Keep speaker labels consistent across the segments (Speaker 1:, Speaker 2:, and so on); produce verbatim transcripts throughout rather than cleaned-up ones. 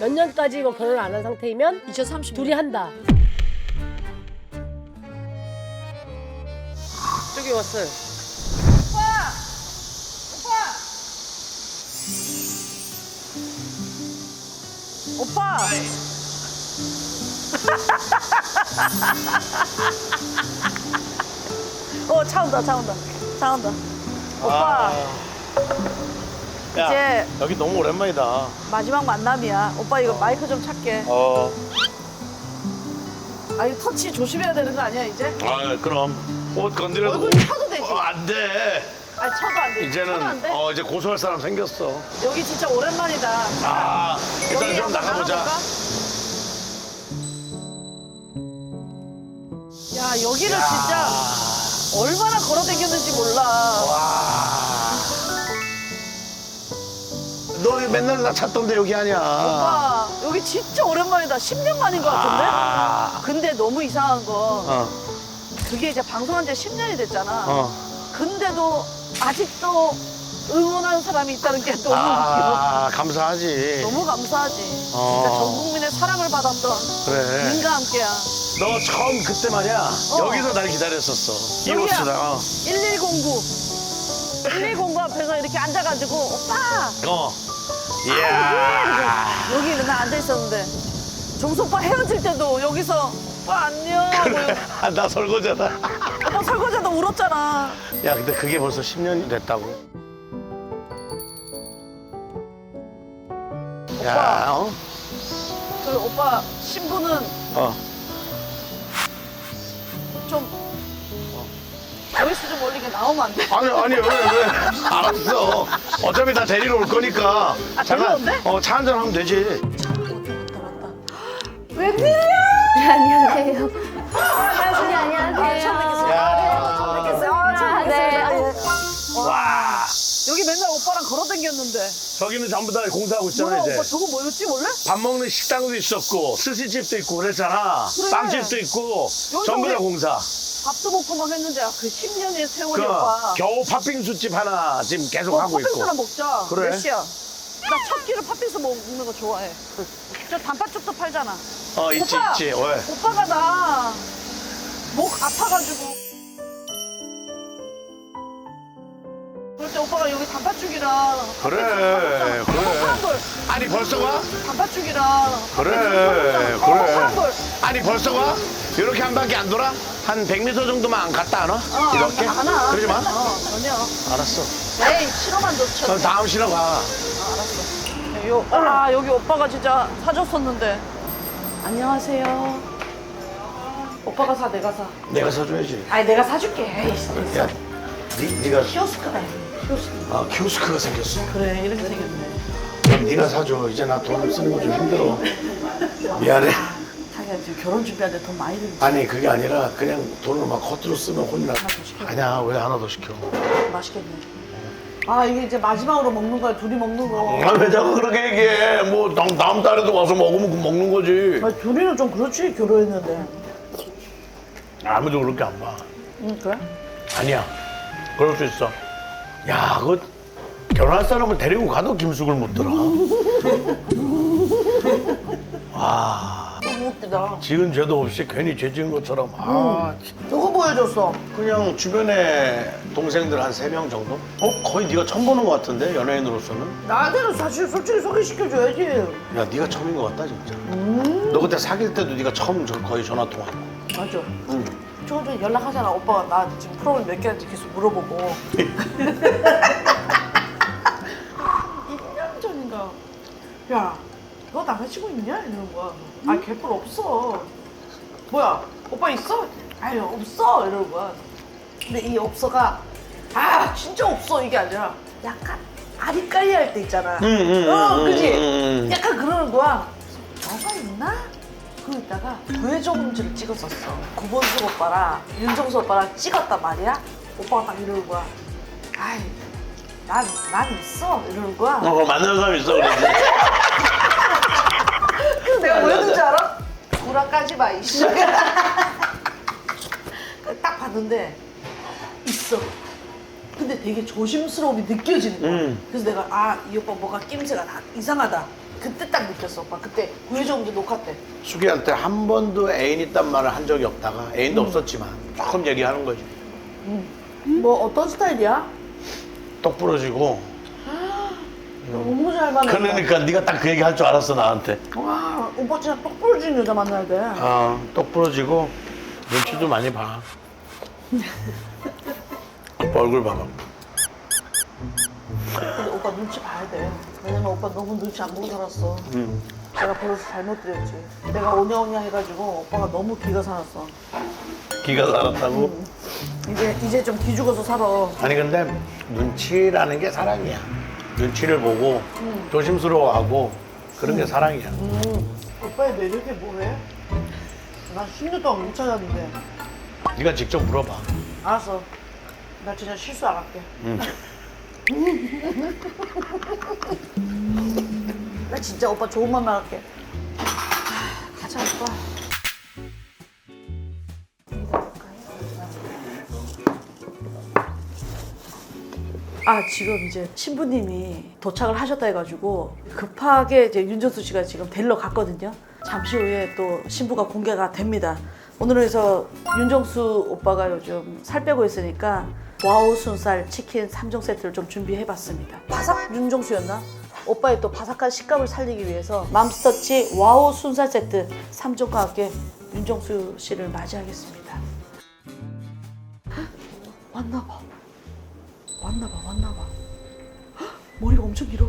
Speaker 1: 몇 년까지 뭐 결혼을 안 한 상태이면
Speaker 2: 이천삼십 년.
Speaker 1: 둘이 한다. 저기 왔어요.
Speaker 2: 오빠. 어, 차 온다, 차 온다, 차 온다. 오빠,
Speaker 3: 야,
Speaker 2: 이제
Speaker 3: 여기 너무 오랜만이다.
Speaker 2: 마지막 만남이야. 오빠 이거 마이크 좀 찾게.
Speaker 3: 어.
Speaker 2: 아, 이거 터치 조심해야 되는 거 아니야, 이제?
Speaker 3: 아, 그럼 옷 건드려도
Speaker 2: 얼굴 쳐도 되지?
Speaker 3: 어, 안 돼.
Speaker 2: 아, 쳐도 안 돼. 쳐도 안
Speaker 3: 이제는
Speaker 2: 돼?
Speaker 3: 어 이제 고소할 사람 생겼어.
Speaker 2: 여기 진짜 오랜만이다.
Speaker 3: 아, 일단
Speaker 2: 여기
Speaker 3: 좀
Speaker 2: 한번
Speaker 3: 나가보자.
Speaker 2: 나가볼까? 야, 여기를 진짜 얼마나 걸어다녔는지 몰라.
Speaker 3: 와. 너 맨날 나 찾던데 여기 아니야.
Speaker 2: 오빠, 여기 진짜 오랜만이다. 십 년 만인 것 같은데?
Speaker 3: 아.
Speaker 2: 근데 너무 이상한 거,
Speaker 3: 어,
Speaker 2: 그게 이제 방송한 지 십 년이 됐잖아.
Speaker 3: 어.
Speaker 2: 근데도 아직도 응원하는 사람이 있다는 게 너무
Speaker 3: 아, 감사하지.
Speaker 2: 웃겨. 너무 감사하지.
Speaker 3: 어.
Speaker 2: 진짜 전 국민의 사랑을 받았던
Speaker 3: 그래.
Speaker 2: 님과 함께야.
Speaker 3: 너 처음 그때 말이야. 여기서 날 기다렸었어.
Speaker 2: 여기야.
Speaker 3: 이곳이다.
Speaker 2: 일일공구. 일일공구 앞에서 이렇게 앉아가지고 오빠
Speaker 3: 어. 이야.
Speaker 2: 여기 맨날 앉아 있었는데 정수 오빠 헤어질 때도 여기서 오빠 안녕 하고
Speaker 3: 그래. 아, 나 설거지하다.
Speaker 2: 오빠 설거지하다 울었잖아.
Speaker 3: 야, 근데 그게 벌써 십 년이 됐다고. 야, 어?
Speaker 2: 그 오빠 신부는
Speaker 3: 어.
Speaker 2: 좀 조회수 좀 올리게 나오면 안 돼?
Speaker 3: 아니, 아니, 왜, 왜. 알았어. 어차피 나 데리러 올 거니까.
Speaker 2: 아, 데리러 온대?
Speaker 3: 어, 차 한잔 하면 되지.
Speaker 2: 웬일이야?
Speaker 4: 네, 안녕하세요. 선생님 안녕하세요.
Speaker 3: 야.
Speaker 2: 처음 뵙겠어요. 아, 처음
Speaker 4: 아, 네.
Speaker 2: 뵙겠어요.
Speaker 3: 와.
Speaker 2: 여기 맨날 오빠랑 걸어 다녔는데.
Speaker 3: 저기는 전부 다 공사하고 있잖아,
Speaker 2: 뭐야,
Speaker 3: 이제.
Speaker 2: 오빠 저거 뭐였지, 원래?
Speaker 3: 밥 먹는 식당도 있었고, 스시집도 있고 그랬잖아.
Speaker 2: 그래.
Speaker 3: 빵집도 있고,
Speaker 2: 여기서
Speaker 3: 전부 다
Speaker 2: 우리
Speaker 3: 공사.
Speaker 2: 밥도 먹고 막 했는데 아, 그 십 년의 세월이
Speaker 3: 그,
Speaker 2: 오빠.
Speaker 3: 겨우 팥빙수집 하나 지금 계속
Speaker 2: 어,
Speaker 3: 하고 있고.
Speaker 2: 팥빙수나 먹자.
Speaker 3: 그래.
Speaker 2: 몇 시야? 나 첫 끼를 팥빙수 먹는 거 좋아해. 저 단팥죽도 팔잖아.
Speaker 3: 어, 있지,
Speaker 2: 오빠,
Speaker 3: 있지. 왜?
Speaker 2: 오빠가 나 목 아파가지고. 그럴 때 오빠가 여기 단팥죽이랑
Speaker 3: 그래,
Speaker 2: 그래.
Speaker 3: 그래.
Speaker 2: 사람들
Speaker 3: 아니, 벌써 가?
Speaker 2: 단팥죽이랑
Speaker 3: 그래,
Speaker 2: 그래.
Speaker 3: 그래.
Speaker 2: 사람들
Speaker 3: 아니, 벌써 가? 이렇게 한 바퀴 안 돌아? 한 백 미터 정도만 안 갔다 안 와?
Speaker 2: 어,
Speaker 3: 이렇게?
Speaker 2: 안 와.
Speaker 3: 그러지 마.
Speaker 2: 어, 전혀.
Speaker 3: 알았어.
Speaker 2: 에이, 싫어만 좋죠.
Speaker 3: 그럼 다음 시간 가.
Speaker 2: 요, 아, 여기 오빠가 진짜 사줬었는데. 안녕하세요. 오빠가 사, 내가 사.
Speaker 3: 내가 사줘야지.
Speaker 2: 아니, 내가 사줄게. 에이,
Speaker 3: 야, 니, 니가,
Speaker 2: 키오스크다. 키오스크.
Speaker 3: 아, 키오스크가 생겼어.
Speaker 2: 그래, 이렇게 생겼네.
Speaker 3: 그럼 네가 사줘. 이제 나 돈 쓰는 거 좀 힘들어. 미안해.
Speaker 2: 자기가 지금 결혼 준비하는데 돈 많이 들지.
Speaker 3: 아니, 그게 아니라 그냥 돈을 막 겉으로 쓰면 혼나.
Speaker 2: 시켜.
Speaker 3: 아니야, 왜 하나 더 시켜?
Speaker 2: 맛있겠네. 아, 이게 이제 마지막으로 먹는 거야, 둘이 먹는 거.
Speaker 3: 아, 왜 자꾸 그렇게 얘기해? 뭐, 다음, 다음 달에도 와서 먹으면 그 먹는 거지.
Speaker 2: 아, 둘이는 좀 그렇지, 결혼했는데.
Speaker 3: 아무도 그렇게 안 봐.
Speaker 2: 응, 그래?
Speaker 3: 아니야. 그럴 수 있어. 야, 그 결혼할 사람을 데리고 가도 김숙을 못 들어. 와,
Speaker 2: 너무 웃기다.
Speaker 3: 지은 죄도 없이 괜히 죄 지은 것처럼. 아,
Speaker 2: 누구 보여줬어?
Speaker 3: 그냥 주변에 동생들 한 세 명 정도? 어? 거의 네가 처음 보는 것 같은데, 연예인으로서는?
Speaker 2: 나한테는 사실 솔직히 소개시켜줘야지.
Speaker 3: 야, 네가 처음인 것 같다, 진짜. 너 그때 사귈 때도 네가 처음 저- 거의 전화 통화했고.
Speaker 2: 맞아.
Speaker 3: 응.
Speaker 2: 조금 전에 연락하잖아. 오빠가 나 지금 프로그램 몇 개인지 계속 물어보고. 일 년 전인가. 야, 너 남자친구 있냐? 이러는 거야. 아, 개뿔 없어. 뭐야, 오빠 있어? 아니, 없어. 이러는 거야. 근데 이 없어가, 아, 진짜 없어. 이게 아니라 약간 아리까리 할 때 있잖아.
Speaker 3: 응, 응,
Speaker 2: 어,
Speaker 3: 응,
Speaker 2: 그지?
Speaker 3: 응, 응.
Speaker 2: 약간 그러는 거야. 너가 있나? 그러고 있다가 구해정지를 찍었었어. 구본수 오빠랑 윤정수 오빠랑 찍었단 말이야. 오빠가 딱 이러는 거야. 아이, 난, 난 있어. 이러는 거야.
Speaker 3: 어, 그거 만나는 사람 있어, 그러지.
Speaker 2: 그래서 내가 뭐 했는지 알아? 구라까지 마, 이씨. 딱 봤는데 있어. 근데 되게 조심스러움이 느껴지는 거야.
Speaker 3: 음.
Speaker 2: 그래서 내가 아, 이 오빠 뭐가 낌새가 다 이상하다. 그때 딱 느꼈어 오빠. 그때 구혜정도 녹화 때.
Speaker 3: 수기한테 한 번도 애인 있단 말을 한 적이 없다가 애인도 없었지만 조금 얘기하는 거지.
Speaker 2: 뭐 어떤 스타일이야?
Speaker 3: 똑 부러지고.
Speaker 2: 너무 잘 만났다.
Speaker 3: 그러니까 네가 딱 그 얘기 할 줄 알았어 나한테.
Speaker 2: 와 오빠 진짜 똑 부러지는 여자 만나야 돼.
Speaker 3: 아, 똑 부러지고 눈치도 많이 봐. 오빠 얼굴 봐봐.
Speaker 2: 근데 오빠 눈치 봐야 돼. 왜냐면 오빠 너무 눈치 안 보고 살았어.
Speaker 3: 응.
Speaker 2: 내가 버릇을 잘못 들였지. 내가 오냐오냐 해가지고 오빠가 너무 기가 살았어.
Speaker 3: 기가 살았다고?
Speaker 2: 이제 이제 좀 기죽어서 살아.
Speaker 3: 아니 근데 눈치라는 게 사랑이야. 눈치를 보고 조심스러워하고 그런 게 사랑이야.
Speaker 2: 오빠의 매력이 뭐해? 나 십 년 동안 못 찾았는데.
Speaker 3: 네가 직접 물어봐.
Speaker 2: 알았어. 나 진짜 실수 안 할게.
Speaker 3: 응.
Speaker 2: 나 진짜 오빠 좋은 맘만 할게. 아, 가자 오빠. 아 지금 이제 신부님이 도착을 하셨다 해가지고 급하게 이제 윤정수 씨가 지금 데리러 갔거든요. 잠시 후에 또 신부가 공개가 됩니다. 오늘은 그래서 윤정수 오빠가 요즘 살 빼고 있으니까 와우 순살 치킨 삼 종 세트를 좀 준비해봤습니다. 바삭 윤정수였나? 오빠의 또 바삭한 식감을 살리기 위해서 맘스터치 와우 순살 세트 삼 종과 함께 윤정수 씨를 맞이하겠습니다. 헉, 왔나봐. 왔나봐, 왔나봐. 헉, 머리가 엄청 길어.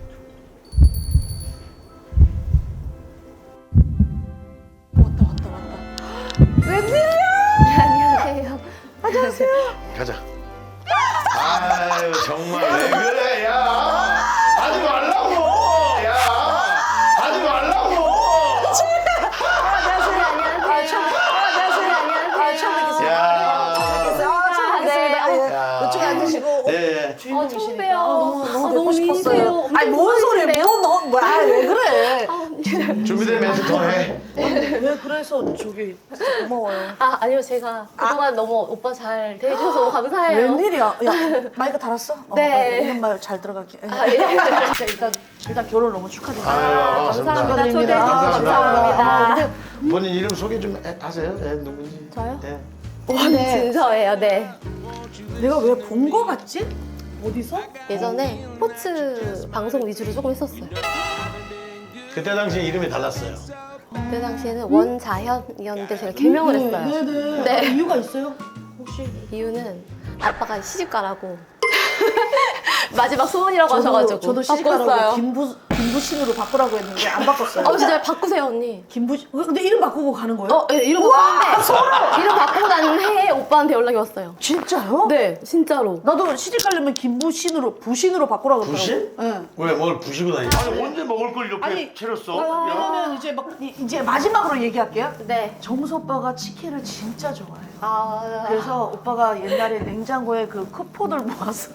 Speaker 2: 왔다, 왔다, 왔다.
Speaker 4: 안녕하세요.
Speaker 3: 가자. 아유 정말 왜 그래 야. 하지 말라고. 야. 하지 말라고.
Speaker 4: 안녕하세요. 안녕하세요.
Speaker 2: 아, 처음 뵙겠습니다.
Speaker 3: 야.
Speaker 2: 아, 처음 뵙겠습니다.
Speaker 4: 네.
Speaker 2: 예.
Speaker 3: 야.
Speaker 2: 이쪽에 앉으시고.
Speaker 3: 예.
Speaker 4: 어, 처음 봬요.
Speaker 2: 너무,
Speaker 4: 아,
Speaker 2: 너무 뵙고
Speaker 4: 너무
Speaker 2: 싶었어요.
Speaker 4: 미인이세요.
Speaker 2: 아니, 뭔 소리야. 뭐, 너, 뭐야. 아, 왜 그래.
Speaker 3: 준비된 멘트 더 해.
Speaker 2: 왜 그래서 저기 고마워요.
Speaker 4: 아, 아니요. 제가 그동안 너무 오빠 잘 대해주셔서 너무 감사해요.
Speaker 2: 웬일이야? 야, 마이크 달았어? 어,
Speaker 4: 네.
Speaker 2: 이런 말 잘 들어가게.
Speaker 4: 아, 예.
Speaker 2: 진짜 일단, 일단 결혼 너무 축하드립니다.
Speaker 3: 아유,
Speaker 4: 감사합니다. 초대해 주셔서
Speaker 2: 아,
Speaker 4: 감사합니다.
Speaker 2: 근데
Speaker 3: 본인 이름 소개 좀 해- 하세요. 예, 누군지.
Speaker 4: 저요?
Speaker 3: 예.
Speaker 4: 원진서예요. 네.
Speaker 2: 내가 왜 본 거 같지? 어디서?
Speaker 4: 예전에 스포츠 방송 위주로 조금 했었어요.
Speaker 3: 그때 당시 이름이 달랐어요.
Speaker 4: 그때 당시에는 원자현이었는데 제가 개명을 했어요.
Speaker 2: 네네.
Speaker 4: 네.
Speaker 2: 아, 이유가 있어요? 혹시?
Speaker 4: 이유는 아빠가 시집가라고 마지막 소원이라고
Speaker 2: 저도,
Speaker 4: 하셔가지고
Speaker 2: 저도 시집가라고
Speaker 4: 바꿨어요.
Speaker 2: 김부, 김부신으로 바꾸라고 했는데 안 바꿨어요.
Speaker 4: 어 진짜 바꾸세요 언니.
Speaker 2: 김부신, 근데 이름 바꾸고 가는 거예요?
Speaker 4: 어, 예, 이름 바꾸는데 이름 바꾸고 난 해에 오빠한테 연락이 왔어요.
Speaker 2: 진짜요?
Speaker 4: 네, 진짜로.
Speaker 2: 나도 시집 가려면 김부신으로, 부신으로 바꾸라고 그러더라고.
Speaker 3: 부신?
Speaker 2: 네.
Speaker 3: 왜 뭘 부시고 다니? 아니 언제 먹을 걸 이렇게
Speaker 2: 아니,
Speaker 3: 차렸어?
Speaker 2: 왜냐면 이제 막 이- 이제 마지막으로 얘기할게요.
Speaker 4: 네.
Speaker 2: 정수 오빠가 치킨을 진짜 좋아해요.
Speaker 4: 아,
Speaker 2: 그래서 오빠가 옛날에 냉장고에 그 쿠폰을 모아서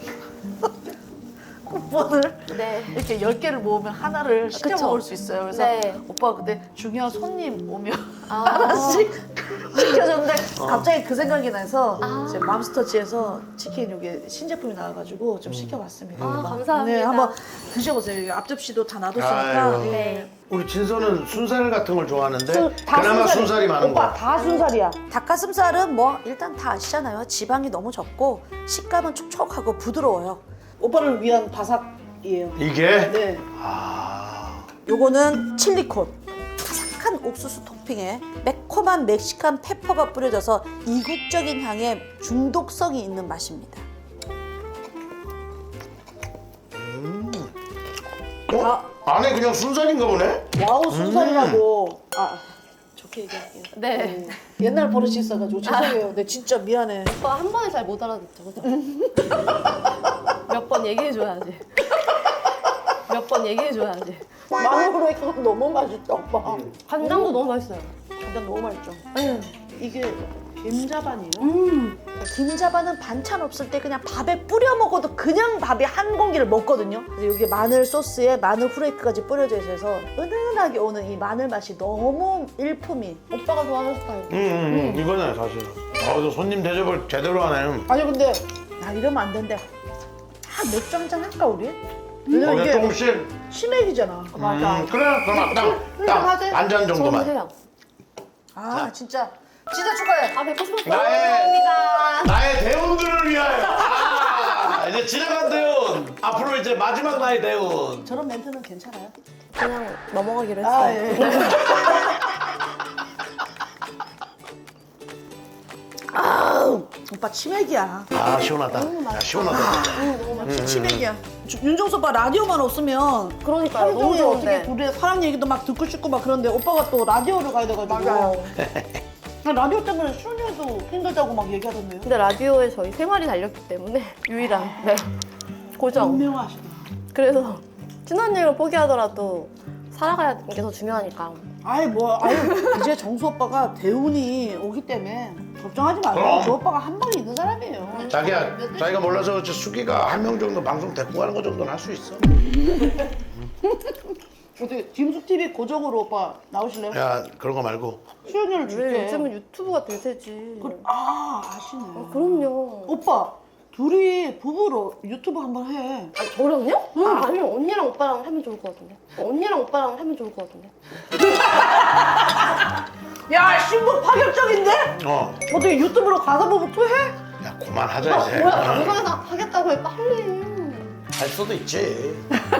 Speaker 2: 쿠폰을
Speaker 4: 네.
Speaker 2: 이렇게 열 개를 모으면 하나를 시켜
Speaker 4: 그쵸.
Speaker 2: 먹을 수 있어요. 그래서
Speaker 4: 네.
Speaker 2: 오빠가 그때 중요한 손님 오면
Speaker 4: 아.
Speaker 2: 하나씩 시켜줬는데 갑자기 그 생각이 나서
Speaker 4: 아.
Speaker 2: 이제 맘스터치에서 치킨 여기 신제품이 나와가지고 좀 시켜봤습니다.
Speaker 4: 아,
Speaker 2: 오빠.
Speaker 4: 감사합니다.
Speaker 2: 네, 한번 드셔보세요. 여기 앞접시도 다 놔뒀으니까.
Speaker 3: 아유.
Speaker 2: 네.
Speaker 4: 네.
Speaker 3: 우리 진서는 순살 같은 걸 좋아하는데
Speaker 2: 순- 다
Speaker 3: 그나마
Speaker 2: 순살이-
Speaker 3: 순살이 많은
Speaker 2: 오빠
Speaker 3: 거.
Speaker 2: 다 순살이야. 닭가슴살은 뭐 일단 다 아시잖아요. 지방이 너무 적고 식감은 촉촉하고 부드러워요. 오빠를 위한 바삭이에요.
Speaker 3: 이게?
Speaker 2: 네.
Speaker 3: 아.
Speaker 2: 요거는 칠리콘. 바삭한 옥수수 토핑에 매콤한 멕시칸 페퍼가 뿌려져서 이국적인 향에 중독성이 있는 맛입니다.
Speaker 3: 어? 안에 그냥 순살인가 보네?
Speaker 2: 와우 순살이라고. 아 좋게 얘기할게요.
Speaker 4: 네.
Speaker 2: 음, 옛날 버릇이 있어가지고 죄송해요. 근데 진짜 미안해.
Speaker 4: 오빠 한 번에 잘 못 알아듣죠. 몇 번 얘기해줘야지. 몇 번 얘기해줘야지.
Speaker 2: 마늘로 이거 너무 맛있다 오빠.
Speaker 4: 간장도 너무 맛있어요.
Speaker 2: 간장 너무 맛있죠.
Speaker 4: 네.
Speaker 2: 이게 김자반이에요.
Speaker 4: 음.
Speaker 2: 김자반은 반찬 없을 때 그냥 밥에 뿌려 먹어도 그냥 밥이 한 공기를 먹거든요. 그래서 여기 마늘 소스에 마늘 후레이크까지 뿌려져 있어서 은은하게 오는 이 마늘 맛이 너무 일품이.
Speaker 4: 오빠가 좋아하는 스타일.
Speaker 3: 응, 응, 응. 이거네 사실. 아, 너 손님 대접을 제대로 하네.
Speaker 2: 아니 근데 나 이러면 안 된대. 아 맥주 한잔 할까 우리? 왜냐면
Speaker 3: 거기에
Speaker 2: 이게
Speaker 3: 조금씩.
Speaker 2: 치맥이잖아.
Speaker 3: 맞아. 음, 그래 그럼 딱딱반잔 정도만.
Speaker 4: 해요.
Speaker 2: 아 진짜 진짜 축하해.
Speaker 4: 아 뵙고 싶었어요.
Speaker 3: 나의 나의 대운들을 위하여. 아, 이제 지나간 대운. 앞으로 이제 마지막 나의 대운.
Speaker 2: 저런 멘트는 괜찮아요?
Speaker 4: 그냥 넘어가기로
Speaker 2: 아
Speaker 4: 했어요.
Speaker 2: 예. 아 오빠 치맥이야.
Speaker 3: 아 시원하다. 야, 시원하다.
Speaker 2: 진짜 치맥이야. 주- 윤정수 오빠 라디오만 없으면
Speaker 4: 그러니까요.
Speaker 2: 하루
Speaker 4: 너무
Speaker 2: 종일 어떻게
Speaker 4: 좋은데.
Speaker 2: 우리 사랑 얘기도 막 듣고 싶고 막 그런데 오빠가 또 라디오를 가야 돼가지고.
Speaker 4: 맞아요.
Speaker 2: 나 라디오 때문에 수련이도 힘들다고 막 얘기하던데요.
Speaker 4: 근데 라디오에 저희 생활이 달렸기 때문에 유일한 네. 고정.
Speaker 2: 분명하시다.
Speaker 4: 그래서 친한 일을 포기하더라도 살아가는 게 더 중요하니까.
Speaker 2: 아이 뭐 아유 이제 정수 오빠가 대운이 오기 때문에 걱정하지 마세요.
Speaker 3: 그럼.
Speaker 2: 저 오빠가 한 방에 있는 사람이에요.
Speaker 3: 자기야, 자기가 몰라서 그렇지 수기가 한 명 정도 방송 데리고 가는 거 정도는 할 수 있어.
Speaker 2: 어떻게 김숙 티비 고정으로 오빠 나오실래요?
Speaker 3: 야 그런 거 말고.
Speaker 2: 출연료를
Speaker 4: 왜
Speaker 2: 줄게.
Speaker 4: 요즘은 유튜브가 대세지.
Speaker 2: 그, 아 아시네.
Speaker 4: 아, 그럼요.
Speaker 2: 오빠 둘이 부부로 유튜브 한번 해.
Speaker 4: 아, 저랑요? 아, 아니면 언니랑 오빠랑 하면 좋을 것 같은데. 언니랑 오빠랑 하면 좋을 것 같은데.
Speaker 2: 야 신부 파격적인데?
Speaker 3: 어.
Speaker 2: 어떻게 유튜브로 가사 부부 투 해?
Speaker 3: 야 그만하자 이제.
Speaker 4: 뭐야,
Speaker 3: 어?
Speaker 4: 방송에서 하겠다고 해, 빨리.
Speaker 3: 할 수도 있지.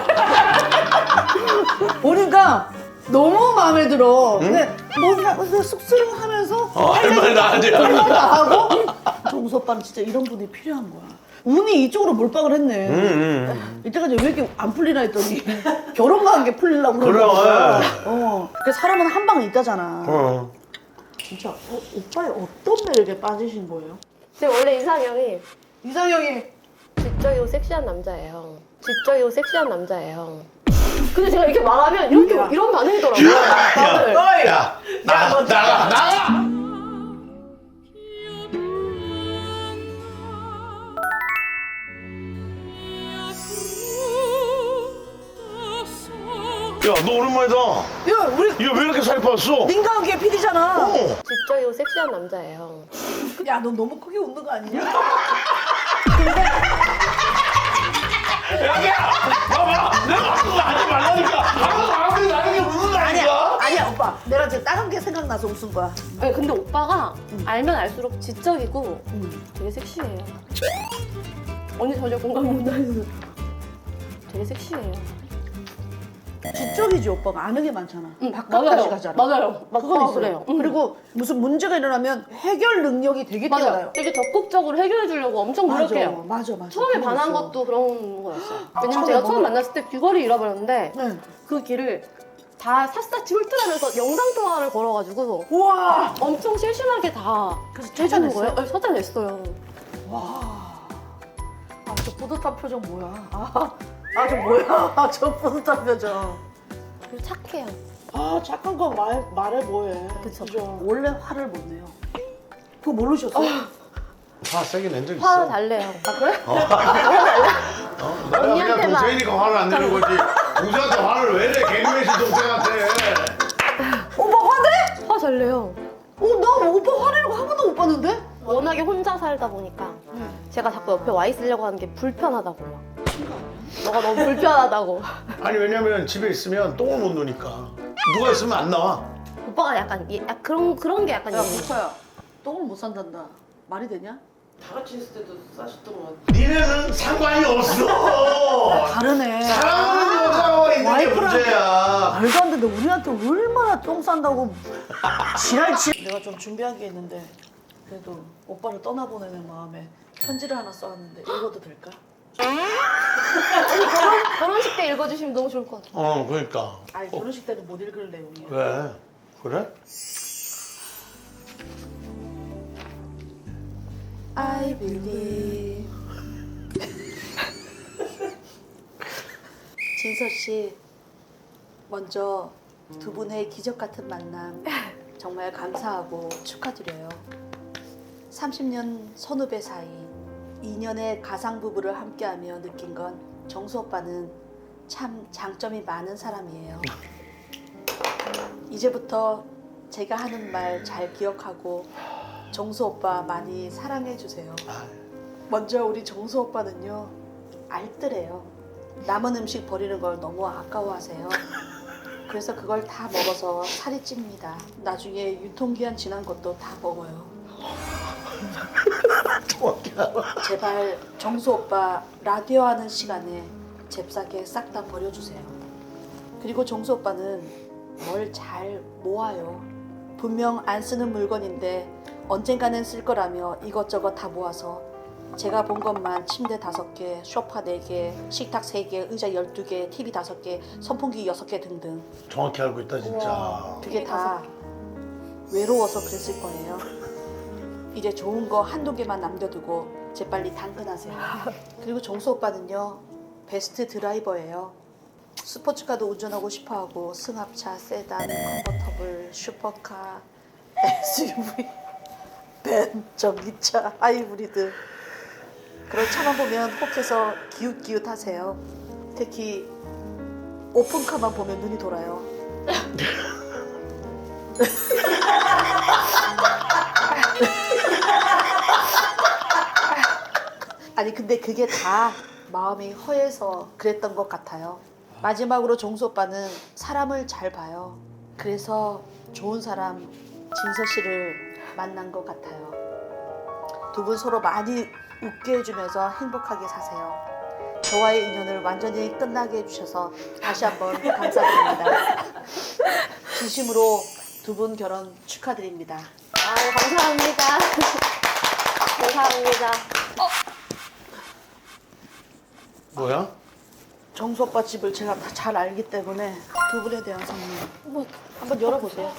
Speaker 2: 보니까 너무 마음에 들어. 근데 뭔가 쑥스러워하면서
Speaker 3: 어, 할 말 나한테.
Speaker 2: 다 하고 정수 오빠는 진짜 이런 분이 필요한 거야. 운이 이쪽으로 몰빵을 했네.
Speaker 3: 음, 음.
Speaker 2: 이때까지 왜 이렇게 안 풀리나 했더니 결혼만 한 게 풀리려고
Speaker 3: 그래,
Speaker 2: 그러는 거야.
Speaker 3: 예.
Speaker 2: 어. 그 사람은 한 방에 있다잖아.
Speaker 3: 어.
Speaker 2: 진짜 어, 오빠의 어떤 매력에 빠지신 거예요?
Speaker 4: 제 원래 이상형이
Speaker 2: 이상형이
Speaker 4: 지적이고 섹시한 남자예요. 지적이고 섹시한 남자예요. 근데 제가 이렇게 말하면 이렇게 이런 반응이더라고요. 다들.
Speaker 3: 야, 나가, 나가, 나가! 야, 너 오랜만이다.
Speaker 2: 야 우리
Speaker 3: 이거 왜 이렇게 살이 빠졌어?
Speaker 2: 민감하게 피디잖아.
Speaker 3: 어.
Speaker 4: 지적이고 섹시한 남자예요.
Speaker 2: 야 너 너무 크게 웃는 거 아니냐?
Speaker 3: 야야, 봐봐. 내가 그거 하지 말라니까. 하도 마음에 나는 게 무슨 말이야?
Speaker 2: 아니야 오빠 내가 지금 다른 게 생각나서 웃은 거야.
Speaker 4: 아니, 근데 오빠가 알면 알수록 지적이고
Speaker 2: 음.
Speaker 4: 되게 섹시해요. 언니 전혀 공감 못하는. 되게 섹시해요.
Speaker 2: 지적이지 오빠가 아는 게 많잖아.
Speaker 4: 응,
Speaker 2: 바깥까지
Speaker 4: 맞아요.
Speaker 2: 가잖아.
Speaker 4: 맞아요.
Speaker 2: 그건
Speaker 4: 오빠가
Speaker 2: 있어요.
Speaker 4: 그래요. 응.
Speaker 2: 그리고 무슨 문제가 일어나면 해결 능력이 되게
Speaker 4: 맞아요.
Speaker 2: 뛰어나요.
Speaker 4: 되게 적극적으로 해결해 주려고 엄청 노력해요.
Speaker 2: 맞아 맞아.
Speaker 4: 처음에
Speaker 2: 그거
Speaker 4: 반한
Speaker 2: 있어.
Speaker 4: 것도 그런 거였어요.
Speaker 2: 아,
Speaker 4: 왜냐면
Speaker 2: 처음에
Speaker 4: 제가
Speaker 2: 뭔가-
Speaker 4: 처음 만났을 때 귀걸이 잃어버렸는데
Speaker 2: 네.
Speaker 4: 그 길을 다 샅샅이 훑으면서 영상 통화를 걸어가지고
Speaker 2: 우와.
Speaker 4: 엄청 실심하게 다
Speaker 2: 그래서
Speaker 4: 해주는
Speaker 2: 찾아냈어요?
Speaker 4: 거예요. 네, 찾아냈어요.
Speaker 2: 와. 아 저 뿌듯한 표정 뭐야? 아 저 뭐야? 아, 저 뿌듯한 표정.
Speaker 4: 그리고 착해요.
Speaker 2: 아 착한 거 말, 말해 뭐해.
Speaker 4: 그쵸.
Speaker 2: 그죠? 원래 화를 못 내요. 그거 모르셨어요?
Speaker 3: 화 세게 낸 적 있어.
Speaker 4: 화 달래요. 아 그래?
Speaker 3: 어, 내가 그냥
Speaker 4: 언니한테만.
Speaker 3: 동생이니까 화를 안 내는 거지. 동생한테 화를 왜 내? 개그맨신 동생한테.
Speaker 2: 오빠 화내?
Speaker 4: 화 잘 내요.
Speaker 2: 어, 나 오빠 화내는 거 한 번도 못 봤는데?
Speaker 4: 워낙에 혼자 살다 보니까 제가 자꾸 옆에 와 있으려고 하는 게 불편하다고 막. 너가 너무 불편하다고.
Speaker 3: 아니 왜냐면 집에 있으면 똥을 못 누니까. 누가 있으면 안 나와.
Speaker 4: 오빠가 약간 예, 약 그런 그런 게 약간
Speaker 2: 야
Speaker 4: 예민해.
Speaker 2: 목차야 똥을 못 산단다. 말이 되냐?
Speaker 1: 다 같이 있을 때도 싸셨던 것 같아.
Speaker 3: 니네는 상관이 없어.
Speaker 2: 다르네.
Speaker 3: 사랑하는 여자와 있는 게
Speaker 2: 와이프랑-
Speaker 3: 문제야.
Speaker 2: 말도 안 되는데 우리한테 얼마나 똥 싼다고 지랄치. 내가 좀 준비한 게 있는데 그래도 오빠를 떠나보내는 마음에 편지를 하나 써왔는데 읽어도 될까?
Speaker 4: 결혼 결혼식 때 읽어주시면 너무 좋을 것 같아요.
Speaker 3: 어, 그러니까.
Speaker 2: 아니 결혼식 때는 못 읽을 내용이야.
Speaker 3: 왜? 그래?
Speaker 2: I believe. 진서 씨, 먼저 두 분의 기적 같은 만남 정말 감사하고 축하드려요. 삼십 년 선후배 사이, 이 년의 가상 부부를 함께하며 느낀 건 정수 오빠는 참 장점이 많은 사람이에요. 이제부터 제가 하는 말 잘 기억하고 정수 오빠 많이 사랑해 주세요. 먼저 우리 정수 오빠는요 알뜰해요.
Speaker 5: 남은 음식 버리는 걸 너무 아까워하세요. 그래서 그걸 다 먹어서 살이 찝니다. 나중에 유통기한 지난 것도 다 먹어요.
Speaker 3: 정확히 알아.
Speaker 5: 제발 정수 오빠 라디오 하는 시간에 잽싸게 싹 다 버려주세요. 그리고 정수 오빠는 뭘 잘 모아요. 분명 안 쓰는 물건인데 언젠가는 쓸 거라며 이것저것 다 모아서 제가 본 것만 침대 다섯 개, 소파 네 개, 식탁 세 개, 의자 열두 개, 티비 다섯 개, 선풍기 여섯 개 등등.
Speaker 3: 정확히 알고 있다 진짜.
Speaker 5: 그게 다 외로워서 그랬을 거예요. 이제 좋은 거 한두 개만 남겨두고 재빨리 당근하세요. 그리고 정수 오빠는요, 베스트 드라이버예요. 스포츠카도 운전하고 싶어하고 승합차, 세단, 컨버터블, 슈퍼카, 에스유브이, 벤, 전기차, 하이브리드 그런 차만 보면 혹해서 기웃기웃하세요. 특히 오픈카만 보면 눈이 돌아요. 아니 근데 그게 다 마음이 허해서 그랬던 것 같아요. 마지막으로 정수 오빠는 사람을 잘 봐요. 그래서 좋은 사람 진서 씨를 만난 것 같아요. 두 분 서로 많이 웃게 해주면서 행복하게 사세요. 저와의 인연을 완전히 끝나게 해주셔서 다시 한번 감사드립니다. 진심으로 두 분 결혼 축하드립니다.
Speaker 4: 아, 감사합니다. 감사합니다.
Speaker 3: 뭐야?
Speaker 5: 정수 오빠 집을 제가 다 잘 알기 때문에 두 분에 대한 선물 한번, 한번 열어보세요.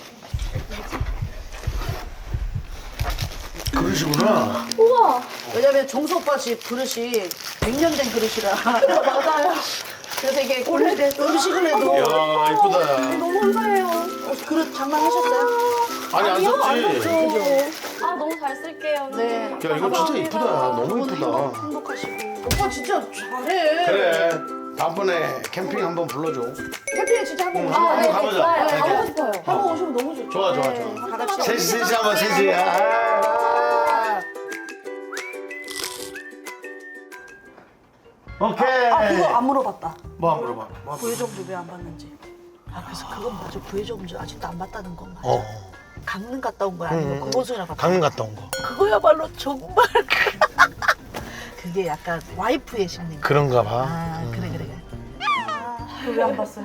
Speaker 3: 그러시구나.
Speaker 4: 우와.
Speaker 5: 왜냐면 정수 오빠 집 그릇이 백 년 된 그릇이라
Speaker 4: 맞아요.
Speaker 5: 그래서 이게 오래된 음식을 해도
Speaker 3: 이야 이쁘다.
Speaker 4: 너무 감사해요.
Speaker 5: 어, 그릇 장만하셨어요?
Speaker 3: 아니 안 썼지.
Speaker 4: 그죠? 아, 너무 잘 쓸게요.
Speaker 5: 네.
Speaker 3: 야 이거 진짜 이쁘다. 너무
Speaker 5: 두 분
Speaker 3: 이쁘다.
Speaker 5: 행복, 행복하시고 오빠 진짜 잘해.
Speaker 3: 그래. 다음번에 캠핑 한번 불러줘.
Speaker 5: 캠핑에 진짜 한번 오시면
Speaker 4: 아, 네,
Speaker 3: 한번 가보자.
Speaker 4: 좋아요.
Speaker 3: 이렇게.
Speaker 4: 가보고 싶어요.
Speaker 5: 한번 오시면 너무 좋죠.
Speaker 3: 좋아 좋아
Speaker 5: 네,
Speaker 3: 좋아.
Speaker 5: 다 같이
Speaker 3: 셋이 셋이 한번 셋이. 아. 오케이.
Speaker 5: 아 그거 안 물어봤다.
Speaker 3: 뭐 안 물어봐. 뭐 안 물어봐.
Speaker 5: 부회장주 왜 안 받는지. 아 그래서 그건 맞아. 부회장주 아직도 안 받다는 건 맞아.
Speaker 3: 어.
Speaker 5: 강릉 갔다 온 거야 아니면 금호순이랑 갔다 온
Speaker 3: 강릉 갔다 온 거.
Speaker 5: 거야? 그거야말로 정말 그게 약간 와이프의 심리.
Speaker 3: 그런가 봐.
Speaker 5: 아 그래 그래 그래. 그거 왜 안 봤어요?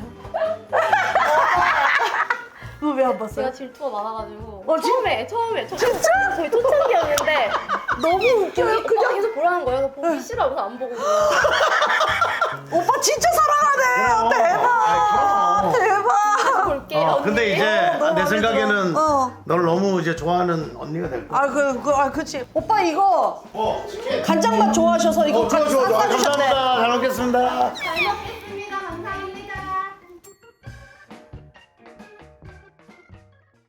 Speaker 5: 그거 왜 안 봤어요?
Speaker 4: 제가 질투가 많아가지고.
Speaker 5: 어, 진-
Speaker 4: 처음에, 처음에. 저, 진짜? 저희 초창기였는데.
Speaker 5: 너무 웃겨요.
Speaker 4: 그냥 계속 보라는 거예요. 그래서 보기 싫어서 안 보고.
Speaker 5: 오빠 진짜 사랑하네. 대박. 대박.
Speaker 4: 볼게요.
Speaker 3: 어, 근데 이제
Speaker 5: 너무
Speaker 3: 내
Speaker 5: 마음에
Speaker 3: 생각에는
Speaker 5: 들어. 어.
Speaker 3: 널 너무 이제 좋아하는 언니가 될 거야.
Speaker 5: 아, 그, 그, 아, 그치. 오빠 이거
Speaker 3: 어, 치킨.
Speaker 5: 간장맛 좋아하셔서 이거
Speaker 3: 어, 좋아, 좋아, 좋아.
Speaker 5: 싸주셨네.
Speaker 3: 감사합니다. 잘 먹겠습니다.
Speaker 4: 잘 먹겠습니다.